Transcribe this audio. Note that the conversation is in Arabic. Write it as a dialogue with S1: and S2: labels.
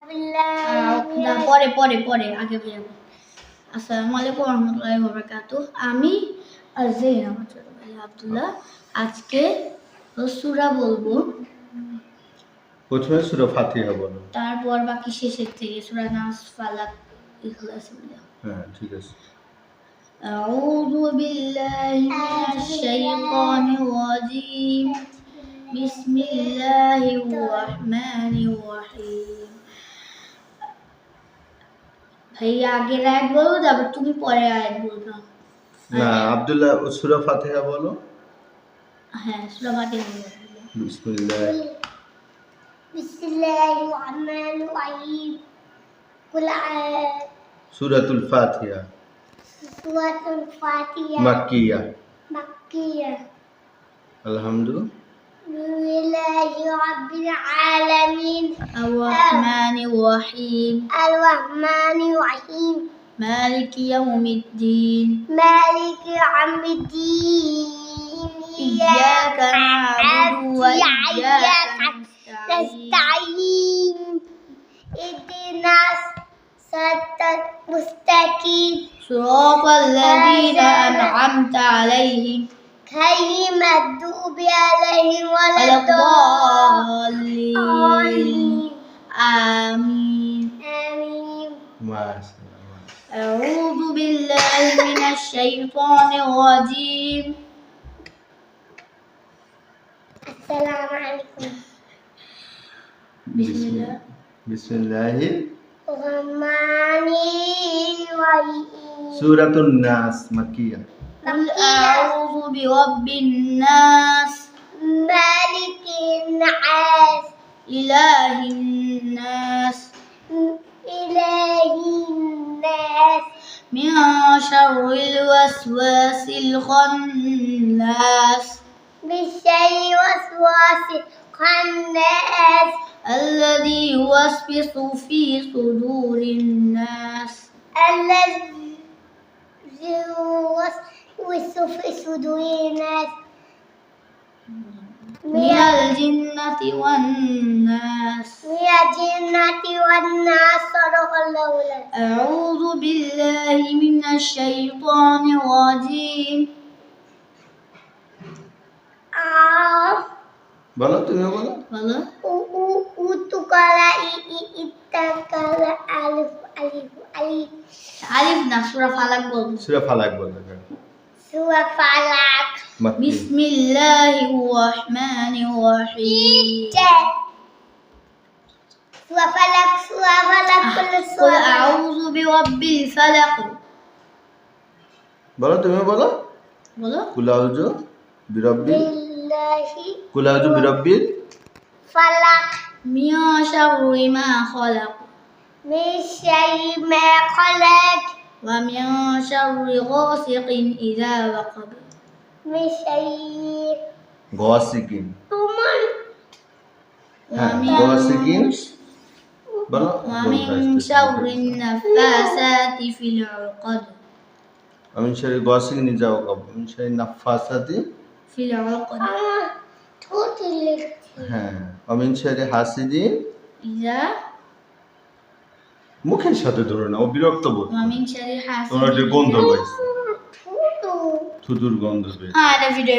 S1: না পরে পরে পরে আগে বলবো। আসসালামু আলাইকুম ওয়া রাহমাতুল্লাহি ওয়া বারাকাতুহু। আমি আরজিন আমার ছোট ভাই আব্দুল্লাহ আজকে সূরা বলবো।
S2: প্রথমে সূরা ফাতিহা বলো,
S1: তারপর বাকি শেষের থেকে সূরা নাস, ফালাক, ইখলাস বলো।
S2: হ্যাঁ ঠিক আছে।
S1: আউযু বিল্লাহি মিনাশ শাইতানির রাজীম। বিসমিল্লাহির রহমানির রহিম। ভাইয়া আগের আয়াত বলো, তারপর তুমি পরের আয়াত বলবে।
S2: না আব্দুল্লাহ সূরা ফাতিহা বলো।
S1: হ্যাঁ সূরা ফাতিহা বলো।
S3: বিসমিল্লাহির রহমানির রহিম।
S2: সূরাতুল ফাতিহা
S3: সূরাতুল ফাতিহা
S2: মাক্কিয়া।
S3: আলহামদুলিল্লাহি রাব্বিল আলামিন
S1: আর-রাহমানির রহিম মালিকি ইয়াউমিদ্দিন ইয়্যাকা না'বুদু ওয়া ইয়্যাকা
S3: নাস্তাঈন ইহদিনাস সিরাতাল মুস্তাকিম
S1: সিরাতাল লাযীনা আন'আমতা আলাইহিম
S3: غير المغضوب عليهم ولا
S1: الضالين آمين.
S2: মাশাআল্লাহ।
S1: أعوذ بالله من الشيطان الرجيم.
S3: السلام عليكم.
S2: বিসমিল্লাহির
S3: রহমানির রহিম।
S2: সূরাতুন নাস মাক্কিয়া।
S1: قل أعوذ برب الناس
S3: مالك الناس
S1: إله الناس من شر الوسواس الخناس الذي يوسوس في صدور الناس من الجنة والناس.
S3: صدق الله العظيم.
S1: أعوذ بالله من الشيطان الرجيم.
S2: বলো তুমি বলো।
S1: বলো।
S3: উতুকালা ইত্তাকালা আলিফ আলিফ আলিফ
S1: আলিফ না সূরা ফালাক বলবো।
S2: সূরা ফালাক বলো।
S3: সূরা ফালাক।
S1: বিসমিল্লাহির রহমানির রহিম।
S3: সূরা ফালাক
S1: قل أعوذ برب الفلق.
S2: বলো তুমি বলো।
S1: বলো।
S2: কুল আউযু বিরাব্বিল
S3: ফালাক
S1: من شر ما خلق
S3: من شر ما خلق
S1: ومن شر غاسق إذا وقب
S3: من شر
S2: গাসিকিন।
S1: ومن
S2: গাসিকিন বলো।
S1: ومن شر النفاثات في العقد
S2: ومن شر غاسق إذا وقب ومن شر النفاثات
S1: في العقد
S2: হ্যাঁ ومن شر حاسد
S1: إذا
S2: মুখের সাথে ধরো না, ও বিরক্ত বোধ।
S1: ومن شر حاسد
S2: তোমার যে গন্ধ পাইছে, থুতুর গন্ধ পেয়েছে।
S1: এটা ভিডিও